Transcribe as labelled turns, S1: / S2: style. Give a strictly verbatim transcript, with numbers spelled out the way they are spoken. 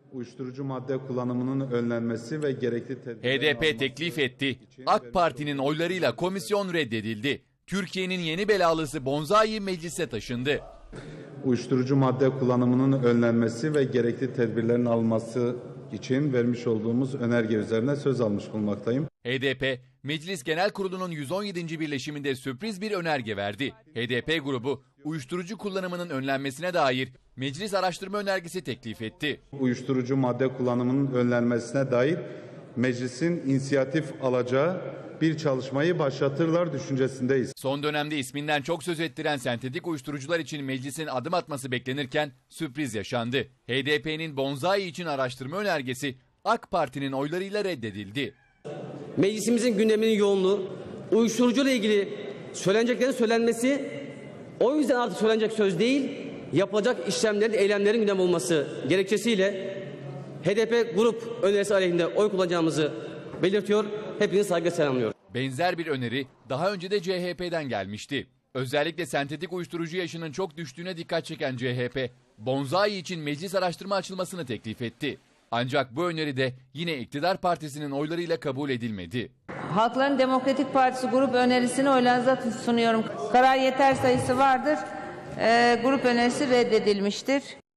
S1: Uyuşturucu madde kullanımının önlenmesi ve gerekli tedbirlerin
S2: H D P
S1: alınması
S2: teklif etti.
S1: için
S2: AK Parti'nin oylarıyla komisyon reddedildi. Türkiye'nin yeni belalısı Bonzai meclise taşındı.
S1: Uyuşturucu madde kullanımının önlenmesi ve gerekli tedbirlerin alınması için vermiş olduğumuz önerge üzerine söz almış bulunmaktayım.
S2: H D P, Meclis Genel Kurulu'nun yüz on yedinci birleşiminde sürpriz bir önerge verdi. H D P grubu, uyuşturucu kullanımının önlenmesine dair meclis araştırma önergesi teklif etti.
S1: Uyuşturucu madde kullanımının önlenmesine dair meclisin inisiyatif alacağı bir çalışmayı başlatırlar düşüncesindeyiz.
S2: Son dönemde isminden çok söz ettiren sentetik uyuşturucular için meclisin adım atması beklenirken sürpriz yaşandı. H D P'nin Bonzai için araştırma önergesi AK Parti'nin oylarıyla reddedildi.
S3: Meclisimizin gündeminin yoğunluğu, uyuşturucuyla ilgili söyleneceklerin söylenmesi, o yüzden artık söylenecek söz değil, yapılacak işlemlerin, eylemlerin gündem olması gerekçesiyle H D P grup önerisi aleyhinde oy kullanacağımızı belirtiyor. Hepinizi saygıyla selamlıyorum.
S2: Benzer bir öneri daha önce de C H P'den gelmişti. Özellikle sentetik uyuşturucu yaşının çok düştüğüne dikkat çeken C H P, Bonzai için meclis araştırma açılmasını teklif etti. Ancak bu öneri de yine iktidar partisinin oylarıyla kabul edilmedi.
S4: Halkların Demokratik Partisi grup önerisini oylarınıza sunuyorum. Karar yeter sayısı vardır. E, grup önerisi reddedilmiştir.